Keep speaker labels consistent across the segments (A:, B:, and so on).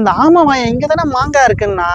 A: அந்த ஆமாவாயா இங்க தானே மாங்காய் இருக்குன்னா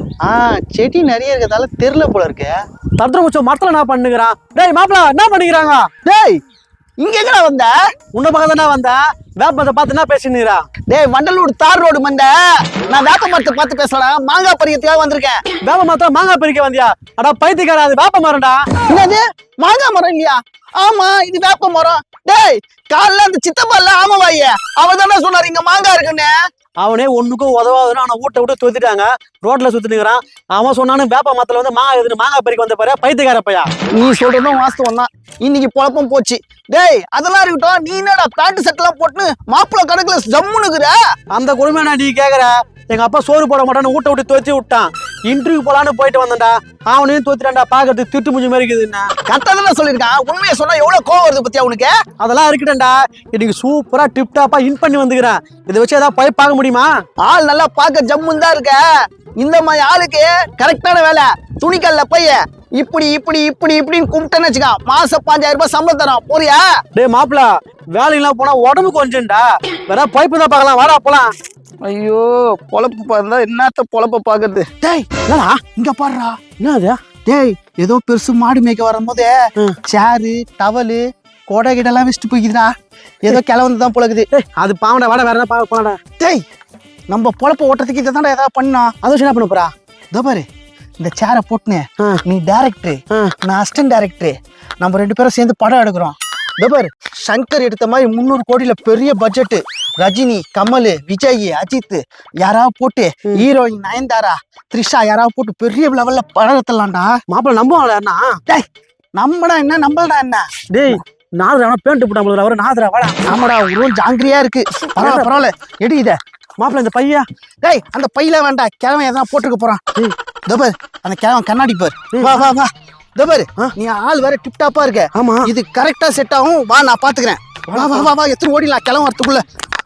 A: செடி நிறைய இருக்கிறதால தெருல போல இருக்கு.
B: தத்திர முச்சம் மரத்துல என்ன பண்ணுகிறான்? டேய் மாப்பிள என்ன பண்ணிக்கிறாங்க?
A: டேய் இங்க எங்கடா வந்த?
B: உன்ன பக்கம் தானே வந்த. வேப்பத்தை பார்த்து என்ன பேசினுறா?
A: டேய் வண்டலூர் தார் ரோடு மண்ட, நான் வேப்ப மரத்தை பார்த்து பேசலாம். மாங்காய் பறிக்கிறதுக்காக வந்திருக்கேன்.
B: வேப்ப மரத்துல மாங்காய் பறிக்க வந்தியா? அடா பைத்தியக்காரா, அது வேப்ப மரம்டா.
A: என்னது மாங்காய் மரம் இல்லையா? ஆமா இது வேப்ப மரம். டேய் காலைல அந்த சித்தப்பா இல்ல ஆமாவாயே அவர் தானே சொன்னாரு இங்க மாங்காய் இருக்குன்னு.
B: அவனே ஒண்ணுக்கும் உதவாதுன்னு அவனை வீட்டை விட்டு தொத்திட்டாங்க. ரோட்ல சுத்தினுக்கிறான். அவன் சொன்னானு வேப்ப மரத்துல வந்து மாங்காய் எதுன்னு மாங்காய் பறிக்க வந்த பாரு பைத்தியக்கார பையா.
A: நீ சொல்றதும் வாஸ்தவம் தான். இன்னைக்கு பொழப்பம் போச்சு. டேய் அதெல்லாம் இருக்கட்டும், நீ என்னடா பேண்ட் செட் எல்லாம் போட்டு மாப்பிள்ள கணக்குல ஜம்முனுக்குற?
B: அந்த கொடுமையா நீ கேக்குற? எங்க அப்பா சோறு போட மாட்டான்னு வீட்டை விட்டு தோத்தி விட்டான். இன்டர்வியூ போலான்னு போயிட்டு வந்தேன்டா. அவனையும் தோத்திட்டான்டா. பாக்கிறதுக்கு திட்டு முஞ்சி மாதிரி இருக்குதுன்னா
A: கரெக்டா தானே சொல்லியிருக்கான். உண்மையை சொன்னா எவ்வளவு கோவம் வருது பத்தியா உனக்கு?
B: அதெல்லாம் இருக்கட்டேன்டா. இன்னைக்கு சூப்பரா டிப் டாப்பா இன் பண்ணி வந்துக்கிறேன். இதை வச்சு ஏதாவது போய் பார்க்க முடியுமா?
A: ஆள் நல்லா பார்க்க ஜம்முன்னு தான் இருக்க. இந்த மாதிரி ஆளுக்கு கரெக்டான வேலை. துணிக்கல்ல போய் இப்படி இப்படி இப்படி இப்படின்னு கும்பிட்டேன்னு வச்சுக்கா, மாசம் 5000 ரூபாய் சம்பளம் தரோம். போறியா?
B: டேய் மாப்பிள, வேலைக்கெல்லாம் போனா உடம்பு கொஞ்சம்டா. வேற பைப்பு தான் பார்க்கலாம். வாடா போலாம்.
A: ஐயோ பொழப்பு பார்த்தா என்னத்த பொழப்ப பாக்குறது. டேய்
B: என்னடா
A: இங்க பாடுறா.
B: என்னது?
A: டேய் ஏதோ பெருசு மாடு மேய்க்க வரும்போது சேரு டவலு கொடை கிட்டெல்லாம் வச்சுட்டு போய்க்குதுடா. ஏதோ கிளவந்து தான் பொழக்குது.
B: அது பாவடா. வாடா வேற என்ன போலாடா.
A: டேய் நம்ம பொழப்ப ஓட்டுறதுக்கு இதை தானே ஏதாவது பண்ணா.
B: அது என்ன பண்ண போறா?
A: இதோ பாரு இந்த சேரை போட்டுனே நீ டைரக்டர், நான் அசிஸ்டன்ட் டைரக்டர், நம்ம 2 பேரும் சேர்ந்து படம் எடுக்கிறோம். இதோ பாரு சங்கர் எடுத்த மாதிரி 300 கோடியில பெரிய பட்ஜெட். ரஜினி, கமல், விஜய், அஜித் யாராவது போட்டு ஹீரோயின் நயன்தாரா, த்ரிஷா யாராவது போட்டு பெரிய லெவல்ல படம் எடுத்துலாம்டா.
B: மாப்பிள நம்புவாங்களா?
A: டேய் நம்படா என்ன நம்பலடா என்ன?
B: டேய் நாதரா பேண்ட் போட்டாங்க. அவரு நாதரா வாடா.
A: ஆமாடா உருவம் ஜாங்கிரியா இருக்கு. பரவாயில்ல பரவாயில்ல எடு இத.
B: மாப்பிள இந்த பையா.
A: டேய் அந்த பையில வேண்டாம், கிழவன் எதனா போட்டுக்க போறான். இதோ பாரு அந்த கிழவன் கண்ணாடி பாரு. வா வா வா. இதோ பாரு நீ ஆள் வேற டிப் டாப்பா இருக்க.
B: ஆமா
A: இது கரெக்டா செட் ஆகும். வா நான் பாத்துக்கிறேன். வா வா வா வா. எத்தனை ஓடிலாம் கிழவன் வரத்துக்குள்ள.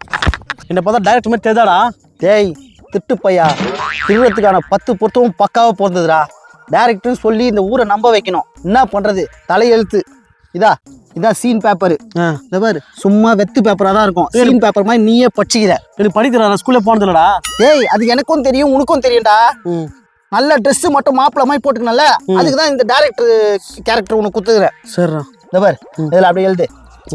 B: என்ன பார்த்தா டைரக்ட் மாதிரி தெரியாதாடா?
A: டேய் திட்டு பையா, திருவத்துக்கான 10 பொருத்தமும் பக்காவா போறதுடா. டைரக்டர்னு சொல்லி இந்த ஊரை நம்ப வைக்கணும். என்ன பண்றது, தலையெழுத்து. இதான் சீன் பேப்பரு. இந்த பாரு சும்மா வெத்து பேப்பரா தான் இருக்கும். சீன் பேப்பர் மாதிரி நீயே படிச்சுக்கிற.
B: எனக்கு படிக்கிறா, ஸ்கூல்ல போனதுலடா.
A: டேய் அது எனக்கும் தெரியும் உனக்கும் தெரியும்டா. நல்ல ட்ரெஸ் மட்டும் மாப்பிள்ள மாதிரி போட்டுக்கணும்ல, அதுக்கு தான் இந்த டைரக்டர் கேரக்டர் உனக்கு குத்துக்கிறேன்.
B: சரிடா.
A: இந்த பாரு இதுல அப்படியே எழுது.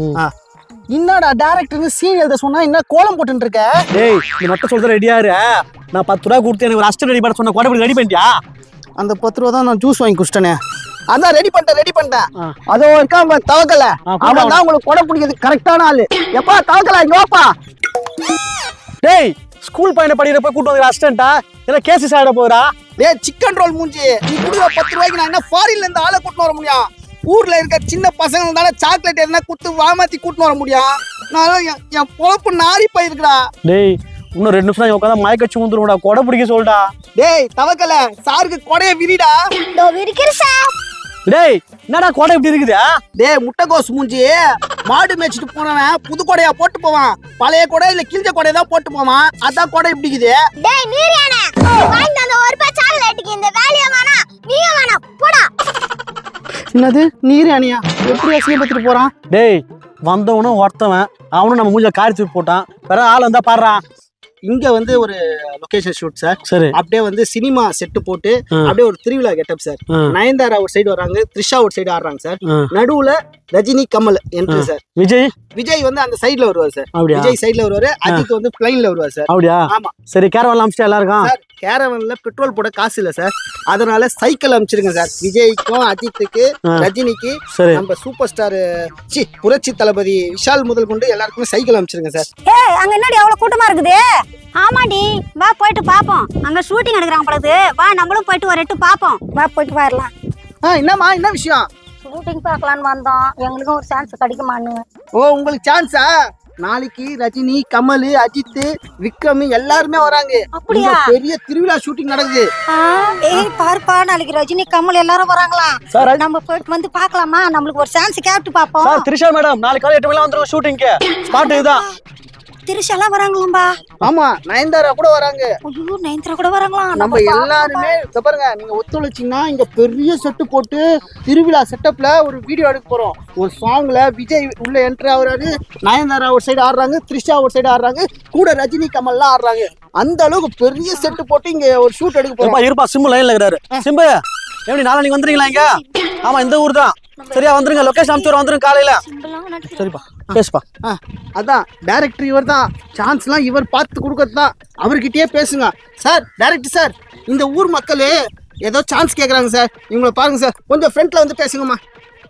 A: என்னடா டைரக்டர்னு சீன் எழுத சொன்னா என்ன கோலம் போட்டுட்டு இருக்க?
B: டேய் நீ மட்டும் சொல்ற ரெடியா இரு. நான் 10 ரூபா கொடுத்து எனக்கு ஒரு அஸ்டன்ட் ரெடி பண்ண சொன்ன கோடை ரெடி பண்ணிட்டியா?
A: அந்த 10 ரூபா தான் நான் ஜூஸ் வாங்கி குடிச்சிட்டேனே. அதான் ரெடி பண்ணிட்டேன். அதோ இருக்கா தவக்கல, அவன் தான் உங்களுக்கு கொடை பிடிக்கிறது கரெக்டான ஆளு. எப்பா தவக்கல இங்க வாப்பா.
B: டேய் ஸ்கூல் பையனை படிக்கிற போய் கூட்டு வந்து அஸ்டன்ட்டா இல்ல கேசி சாட போறா?
A: டேய் சிக்கன் ரோல் மூஞ்சி, நீ குடுற 10 ரூபாய்க்கு நான் என்ன ஃபாரின்ல இருந்து ஆளை கூட்டு வர முடியும்? ஊர்ல இருக்க சின்ன பசங்க தானே சாக்லேட் எதுனா குடுத்து வாமாத்தி கூட்டு வர முடியும். நான் என் பொழப்பு நாரி போயிருக்குடா.
B: டேய் இன்னும் 2 நிமிஷம் உட்காந்து மயக்கச்சு வந்துருடா. கொடை பிடிக்க சொல்லிட்டா.
A: டேய் தவக்கல சாருக்கு கொடைய விரிடா.
B: டேய் என்னடா கொடை இப்படி இருக்குது?
A: டேய் முட்டைகோஸ் மூஞ்சி, மாடு மேய்ச்சிட்டு போனவன் புது கொடையா போட்டு போவான். பழைய கொடை இல்ல கிழிஞ்ச கொடையை தான் போட்டு போவான். அதான் கொடை இப்படி இருக்குது.
C: டேய் நீரியானே, வாங்கி அந்த ஒரு பை சாக்லேட்டுக்கு இந்த வேலைய வேணா நீயும் வேணா போடா.
A: என்னது நீர் அணியா? எப்படி அசிங்கப்பட்டு போறான்?
B: டேய் வந்தவனும் ஒருத்தவன், அவனும் நம்ம மூஞ்சில காரி தூக்கி போட்டான். வேற ஆள் வந்தா பாடுறான்.
A: இங்க வந்து ஒரு லொகேஷன் ஷூட் சார்.
B: சரி.
A: அப்படியே வந்து சினிமா செட்டு போட்டு அப்படியே ஒரு திருவிழா கெட்டப் சார். நயன்தாரா ஒரு சைடு வராங்க, த்ரிஷா ஒரு சைடு ஆடுறாங்க சார். நடுவுல ரஜினி கமல் என்ட்ரி சார். விஜய் வந்து அந்த சைடுல வருவார் சார். விஜய் சைடுல வருவாரு, அஜித் வந்து பிளைன்ல வருவார் சார்.
B: அப்படியா?
A: ஆமா.
B: சரி கேரவன்ல அமிச்சிட்டு எல்லாருக்கும்.
A: சார் கேரவன்ல பெட்ரோல் போட காசு இல்ல சார், அதனால சைக்கிள் அமிச்சிருங்க சார். விஜய்க்கும் அஜித்துக்கு ரஜினிக்கு நம்ம சூப்பர் ஸ்டார் புரட்சி தளபதி விஷால் முதல் கொண்டு எல்லாருக்குமே சைக்கிள் அமிச்சிருங்க சார்.
C: ஏய் அங்க என்னடி அவ்வளவு கூட்டமா இருக்குது? ஆமாடி வா போயிட்டு பாப்போம். அங்க ஷூட்டிங் எடுக்கறாங்க பொழுது. வா நம்மளும் போயிட்டு ஒரு எட்டு பாப்போம். வா போயிட்டு வரலாம்.
A: என்னம்மா என்ன விஷயம்?
C: ஷூட்டிங் பார்க்கலான்னு வந்தோம், எங்களுக்கும் ஒரு சான்ஸ் கிடைக்குமான்னு.
A: ஓ உங்களுக்கு சான்ஸா? நாளைக்கு ரஜினி கமல் அஜித் விக்ரம் எல்லாருமே வராங்க.
C: அப்படியா?
A: பெரிய திருவிழா ஷூட்டிங் நடக்குது.
C: ஏய் பாருப்பா, நாளைக்கு ரஜினி கமல் எல்லாரும் வராங்களா? நம்ம போயிட்டு வந்து பார்க்கலாமா? நம்மளுக்கு ஒரு சான்ஸ் கேட்டு பாப்போம்.
B: சார் த்ரிஷா மேடம் நாளைக்கு காலை 8 மணிக்கு வந்துருவோம் ஷூட்டிங்க்கு. ஸ்பாட் இதுதான்.
C: திருஷாலாம் வராங்களாம்பா.
A: ஆமா நயன்தாரா கூட வராங்க.
C: ஐயோ நயன்தாரா கூட வராங்களாம்.
A: நம்ம எல்லாருமே இத பாருங்க, நீங்க ஒத்துழைச்சீங்கன்னா இங்க பெரிய செட்டு போட்டு திருவிழா செட்டப்ல ஒரு வீடியோ எடுக்க போறோம். ஒரு சாங்ல விஜய் உள்ள என்ட்ரி ஆகுறாரு, நயன்தாரா ஒரு சைடு ஆடுறாங்க, த்ரிஷா ஒரு சைடு ஆடுறாங்க, கூட ரஜினி கமல்லாம் ஆடுறாங்க. அந்த அளவுக்கு பெரிய செட்டு போட்டு இங்க ஒரு ஷூட் எடுக்க போறோம்.
B: இருப்பா சிம்பு லைன்ல இருக்கிறாரு. சிம்பு எப்படி நாளைக்கு வந்துறீங்களா இங்க? ஆமா இந்த ஊர் தான். சரியா வந்துருங்க, லொகேஷன் அனுப்பிச்சு வந்துருங்க காலையில. சரிப்பா பேசுப்பா.
A: அதான் டைரக்டர் இவர் தான், சான்ஸ்லாம் இவர் பார்த்து கொடுக்கறது தான். அவர்கிட்டயே பேசுங்க சார். டைரக்டர் சார், இந்த ஊர் மக்களே ஏதோ சான்ஸ் கேட்குறாங்க சார், இவங்களை பாருங்க சார், கொஞ்சம் ஃப்ரண்ட்ல வந்து பேசுங்கம்மா.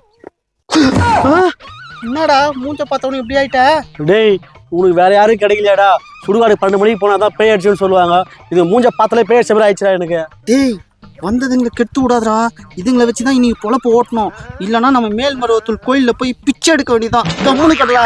A: என்னடா மூஞ்ச பார்த்தவனு இப்படி ஆயிட்ட?
B: டேய் உனக்கு வேற யாரும் கிடைக்கலையாடா? சுடுகாடு 12 மணிக்கு போனாதான் பேய் அடிச்சுன்னு சொல்லுவாங்க. இது மூஞ்ச பார்த்தாலே பேய் அடிச்ச மாதிரி ஆயிடுச்சுடா எனக்கு.
A: டேய் வந்ததுங்களை கெடுத்து விடாதரா, இதுங்களை வச்சுதான் இன்னைக்கு பொழப்பு ஓட்டணும். இல்லைன்னா நம்ம மேல்மருவத்தூர் கோயில்ல போய் பிச்சை எடுக்க வேண்டியதான். கம்முனு கடலா.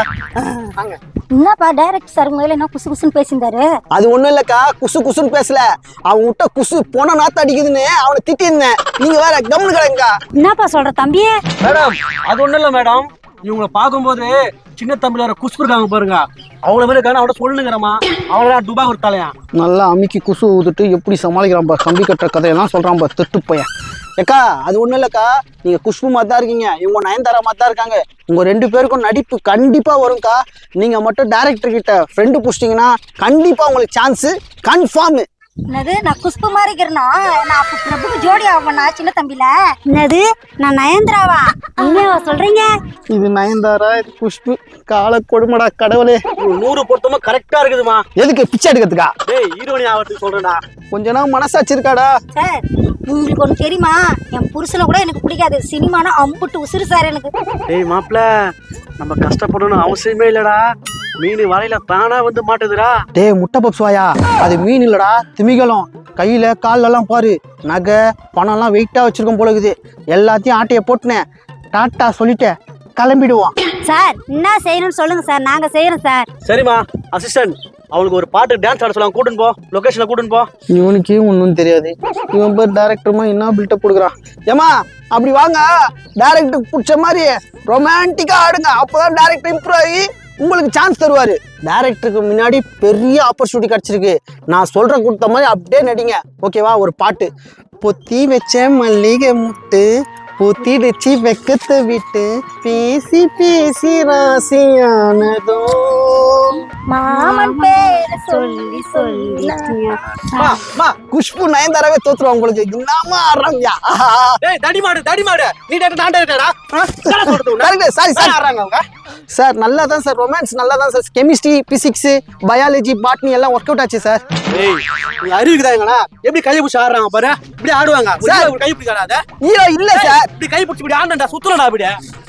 C: என்னப்பா டைரக்டர் சார் மேல என்ன குசு குசுன்னு பேசியிருந்தாரு?
D: அது ஒண்ணும் இல்லக்கா, குசு குசுன்னு பேசல. அவன் விட்ட குசு போன நாத்து அடிக்குதுன்னு அவனை திட்டிருந்தேன். நீங்க வேற கம்னு கிடங்கா.
C: என்னப்பா சொல்ற தம்பி?
B: மேடம் அது ஒண்ணும் இல்ல மேடம், இவங்களை பார்க்கும்போது சின்ன தம்பில வர குஷ்பு இருக்காங்க பாருங்க, அவங்கள மாதிரி இருக்காங்க. அவட சொல்லுங்கிறமா அவங்கள துபா கொடுத்தாலையா
A: நல்லா அமுக்கி குசு ஊதுட்டு எப்படி சமாளிக்கிறான் பா, கம்பி கட்டுற கதையெல்லாம் சொல்றான் பா, திட்டு பையன்.
D: ஏக்கா அது ஒண்ணும் இல்லக்கா, நீங்க குஷ்பு மாதிரி தான் இருக்கீங்க, இவங்க நயன்தாரா மாதிரி தான் இருக்காங்க. உங்க 2 பேருக்கும் நடிப்பு கண்டிப்பா வரும்க்கா. நீங்க மட்டும் டைரக்டர் கிட்ட ஃப்ரெண்டு புடிச்சிட்டீங்கன்னா கண்டிப்பா உங்களுக்கு சான்ஸ் கன்ஃபார்ம்.
C: என்னது நான் குஷ்பு மாதிரி இருக்கிறனா? நான் அப்ப பிரபுக்கு ஜோடி ஆவனா சின்ன தம்பில? என்னது நான் நயன்தாராவா? என்னவா சொல்றீங்க?
A: இது நயன்தாரா, இது குஷ்பு. கால கொடுமடா கடவுளே.
B: 100 பொருத்தமா கரெக்டா இருக்குதுமா.
D: எதுக்கு பிச்சை எடுக்கிறதுக்கா?
B: டேய் ஹீரோனி ஆகிறதுக்கு சொல்றேன்டா.
D: கொஞ்ச நாள் மனசாச்சு இருக்காடா?
C: சார் உங்களுக்கு ஒன்று தெரியுமா, என் புருஷனை கூட எனக்கு பிடிக்காது, சினிமானா அம்புட்டு உசுறு சார் எனக்கு.
B: டேய் மாப்ள, நம்ம கஷ்டப்படணும் அவசியமே இல்லடா. மீன் வலையில தானா வந்து மாட்டுதுடா.
D: டேய் முட்டை பப்ஸ்வாயா, அது மீன் இல்லடா, திமிங்கலம். கையில கால்லெல்லாம் பாரு, நகை பணம்லாம் வெயிட்டா வச்சிருக்கோம் போல இருக்குது. எல்லாத்தையும் ஆட்டைய போட்டுனேன், டாட்டா சொல்லிட்டேன், கிளம்பிடுவோம்.
C: சார் என்ன செய்யணும்னு சொல்லுங்க சார், நாங்க செய்யறோம் சார்.
B: சரிம்மா அசிஸ்டன்ட், அவளுக்கு ஒரு பாட்டு டான்ஸ் ஆட சொல்லுவாங்க, கூட்டின்னு போ, லொகேஷன்ல கூட்டின்னு போ.
A: இவனுக்கே ஒன்றும் தெரியாது, இவன் பேர் டைரக்டருமா என்ன பில்டப் கொடுக்குறான்.
D: ஏமா அப்படி வாங்க, டைரக்டருக்கு பிடிச்ச மாதிரி ரொமான்டிக்கா ஆடுங்க, அப்போதான் டைரக்டர் இம்ப்ரூவ் ஆகி உங்களுக்கு சான்ஸ் தருவாரு. டைரக்டருக்கு முன்னாடி பெரிய ஆப்பர்ச்சுனிட்டி கிடைச்சிருக்கு. நான் சொல்ற கொடுத்த மாதிரி அப்படியே நடிங்க, ஓகேவா? ஒரு பாட்டு. பொத்தி வச்ச மல்லிகை முட்டு, பொத்திடுச்சு வெக்கத்தை விட்டு, பேசி பேசி ராசியானதோ,
C: மாமன் பேரை சொல்லி சொல்லி.
D: குஷ்பு நயன்தாராவே தோத்துருவாங்க உங்களுக்கு. என்னமா ஆடுறாங்கயா?
B: டேய் தடி மாடு நீ நான் டேரக்டரா? என்ன சொல்றது உன்ன?
D: சாரி சார்
B: ஆடுறாங்க அவங்க.
D: சார் நல்லா தான் சார், ரொமான்ஸ் நல்லா தான் sir. Chemistry, physics, biology, botany எல்லாம் ஒர்க் அவுட் ஆச்சு சார்.
B: ஏய் நீ அறிவுக்குதாங்கடா, எப்படி கை பிடிச்சி ஆடுறாங்க பாரு, இப்படி ஆடுவாங்க சார். ஒரு கை பிடிக்காத
D: ஹீரோ இல்ல சார்.
B: இப்படி கை பிடிச்சி இப்படி ஆடுடா, சுத்துறடா இப்படி.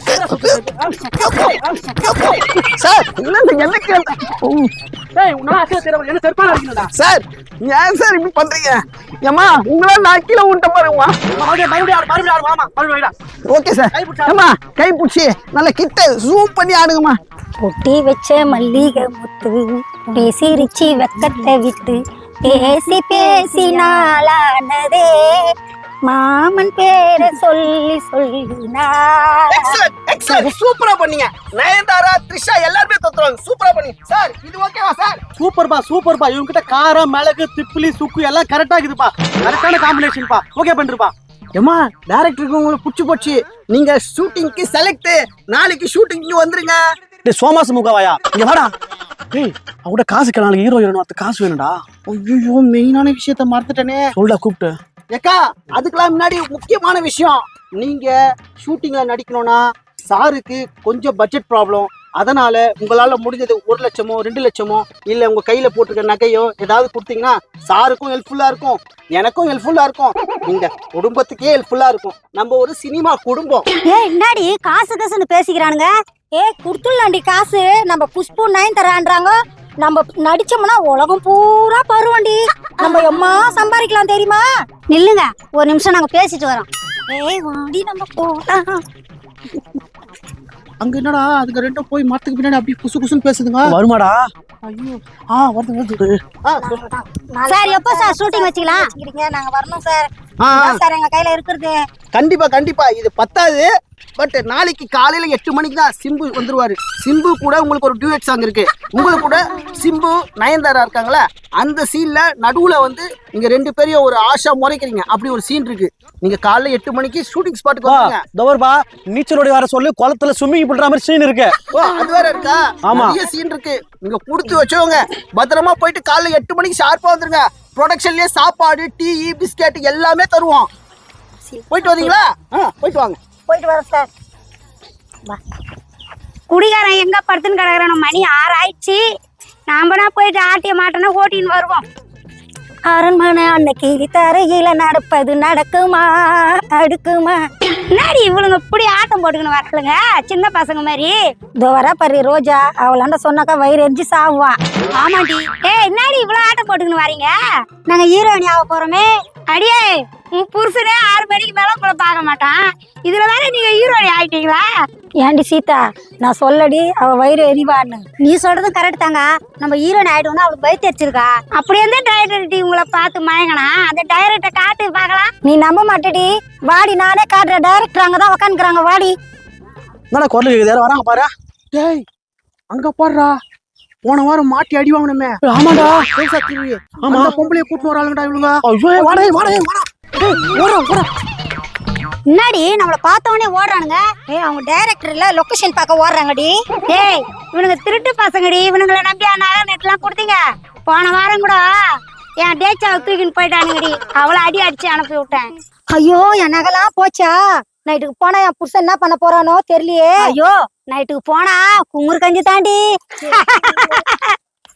D: சார் என்ன கேள்வி?
B: டேய் உன்னால அக்கறை தெரியல, என்ன செருப்பால அடிக்கணும்டா.
D: சார் ஏன் சார் இப்படி பண்றீங்க? ஏமா உங்களா நான் கீழே விட்ட பாருங்கம்மா.
B: மறுபடியும் ஆடு மாமா, மறுபடியும்
D: ஓகே சார். ஏமா கை பிடிச்சி நல்லா கிட்ட ஜூம் பண்ணி ஆடுங்கம்மா.
C: பொட்டி வச்ச மல்லிகை முத்து, பேசிருச்சி வெக்கத்தை விட்டு, பேசி பேசி நாளானதே, மாமன் பேரை சொல்லி சொல்லினா.
D: எக்ஸலென்ட், சூப்பரா பண்ணீங்க. நயன்தாரா, த்ரிஷா எல்லாரும் தோத்துறாங்க, சூப்பரா பண்ணீங்க சார். இது ஓகேவா சார்?
B: சூப்பர்பா. இவங்க கிட்ட காரம், மிளகு, திப்பிலி, சுக்கு எல்லாம் கரெக்டா இருக்குதுப்பா. கரெக்டான காம்பினேஷன்ப்பா. ஓகே பண்ணிருப்பா.
D: ஏமா டைரக்டருக்கு உங்களுக்கு பிடிச்சி போச்சு, நீங்க ஷூட்டிங்க்கு செலக்ட். நாளைக்கு ஷூட்டிங்க்கு வந்துருங்க.
B: டேய் சோமாசு முகவாயா, இங்க வாடா. டேய் அவட காசு நாளைக்கு ஹீரோ ஹீரோயின் அந்த காசு வேணும்டா.
A: ஐயோ மெயினான விஷயத்த மறந்துட்டேனே.
B: சொல்டா கூப்பிட்டு.
D: ஏக்கா அதுக்கெல்லாம் முன்னாடி முக்கியமான விஷயம், நீங்க ஷூட்டிங்ல நடிக்கணும்னா சாருக்கு கொஞ்சம் பட்ஜெட் ப்ராப்ளம். அதனால உங்களால முடிஞ்சது 1 லட்சமோ 2 லட்சமோ இல்ல உங்க கையில போட்டிருக்க நகையோ ஏதாவது கொடுத்தீங்கன்னா சாருக்கும் ஹெல்ப்ஃபுல்லா இருக்கும், எனக்கும் ஹெல்ப்ஃபுல்லா இருக்கும், நீங்க குடும்பத்துக்கே ஹெல்ப்ஃபுல்லா இருக்கும். நம்ம ஒரு சினிமா குடும்பம்.
C: என்னடி காசு காசுன்னு பேசிக்கிறானுங்க? குடுத்துடலாண்டி காசு. நம்ம குஷ்பு நயன்தாரான்றாங்க, நம்ம நடிச்சோம்னா உலகம் பூரா பருவண்டி, நம்ம எம்மா சம்பாதிக்கலாம் தெரியுமா? நில்லுங்க ஒரு நிமிஷம், நாங்க பேசிட்டு வரோம். வாடி நம்ம போலாம்.
A: அங்க என்னடா அதுக்கு 2 போய் மரத்துக்கு பின்னாடி அப்படியே குசு குசுன்னு பேசுதுங்க.
B: வருமாடா?
A: ஐயோ வருது.
C: சார் எப்போ சார் ஷூட்டிங் வச்சுக்கலாம்? நாங்க வரணும் சார். சார் எங்க கையில இருக்கிறது.
A: கண்டிப்பா கண்டிப்பா இது பத்தாது. பட் நாளைக்கு காலையில 8 மணிக்கு தான் சிம்பு வந்துருவாரு. சிம்பு கூட உங்களுக்கு ஒரு டியூட் சாங் இருக்கு. உங்களுக்கு கூட சிம்பு நயன்தாரா இருக்காங்களா, அந்த சீன்ல நடுவுல வந்து நீங்க 2 பேரையும் ஒரு ஆஷா முறைக்கிறீங்க. அப்படி ஒரு சீன் இருக்கு. நீங்க காலைல 8 மணிக்கு ஷூட்டிங் ஸ்பாட்டுக்கு வந்துருங்க.
B: தவறுபா, நீச்சலோடி வர சொல்லி குளத்துல ஸ்விம்மிங் பண்ற மாதிரி சீன் இருக்கு.
A: ஓ அது வேற இருக்கா?
B: ஆமா.
A: நிறைய சீன் இருக்கு. நீங்க கொடுத்து வச்சவங்க பத்திரமா போயிட்டு காலைல 8 மணிக்கு ஷார்ப்பா வந்துருங்க. ப்ரொடக்ஷன்லயே சாப்பாடு, டீ, பிஸ்கட் எல்லாமே தருவோம். போயிட்டு வரீங்களா? போயிட்டு வாங்க.
C: போயிட்டு வர சார். குடிகாரன் எங்க படுத்துன்னு கிடக்குறான? மணி 6 ஆயிடுச்சு. நாமனா போயிட்டு ஆட்டிய மாட்டோன்னா ஓட்டின்னு வருவோம். அரண்மனை அன்னைக்கு தரையில நடப்பது நடக்குமா அடுக்குமா? என்னடி இவளுங்க இப்படி ஆட்டம் போட்டுக்கணும் வரலுங்க, சின்ன பசங்க மாதிரி. இதோ வர பாரு ரோஜா, அவளாண்ட சொன்னாக்கா வயிறு எரிஞ்சு சாவுவான். ஆமாடி. என்னடி இவ்வளவு ஆட்டம் போட்டுக்கணும் வரீங்க? நாங்க ஹீரோயினி ஆக போறோமே. அடியே, உன் புருஷனே 6 மணிக்கு மேல உங்களை பார்க்க மாட்டான், இதுல வேற நீங்க ஹீரோயினி ஆயிட்டீங்களா? ஏண்டி சீதா, நான் சொல்லடி அவ வயிறு எரிவான்னு. நீ சொல்றது கரெக்ட் தாங்க. நம்ம ஹீரோயின் ஆயிடுவோம்னா அவளுக்கு வயிற்று தெரிச்சிருக்கா. அப்படி எந்த டைரக்டர் உங்களை பார்த்து மயங்கனா? அந்த டைரக்டர் காட்டு பார்க்கலாம். நீ நம்ப மாட்டடி, வாடி நானே காட்டுற. டைரக்டர் அங்கதான் உக்காந்துக்கிறாங்க, வாடி.
B: என்னடா குரல் கேக்குது? யாரும் வராங்க பாரு.
A: டேய் அங்க பாருடா, போன வாரம் மாட்டி அடி வாங்கணுமே.
B: ஆமாடா.
A: ஆமா பொம்பளைய கூட்டு வராங்கடா இவளுங்க.
B: ஐயோ, வாடா வாடா வாடா.
C: முன்னாடி நம்மள பார்த்தவனே ஓடுறானுங்க. அவங்க டைரக்டர் இல்ல, லொகேஷன் பார்க்க ஓடுறாங்கடி. டேய் இவனுங்க திருட்டு பசங்கடி, இவனுங்களை நம்பி நகை நெட்லாம் கொடுத்தீங்க. போன வாரம் கூட என் டேச்சாவை தூக்கின்னு போயிட்டானுங்கடி, அவளை அடி அடிச்சு அனுப்பி விட்டேன். ஐயோ என் நகைலாம் போச்சா? நைட்டுக்கு போனா என் புருஷன் என்ன பண்ண போறானோ தெரியலையே. ஐயோ நைட்டுக்கு போனா குமுறு கஞ்சி தாண்டி.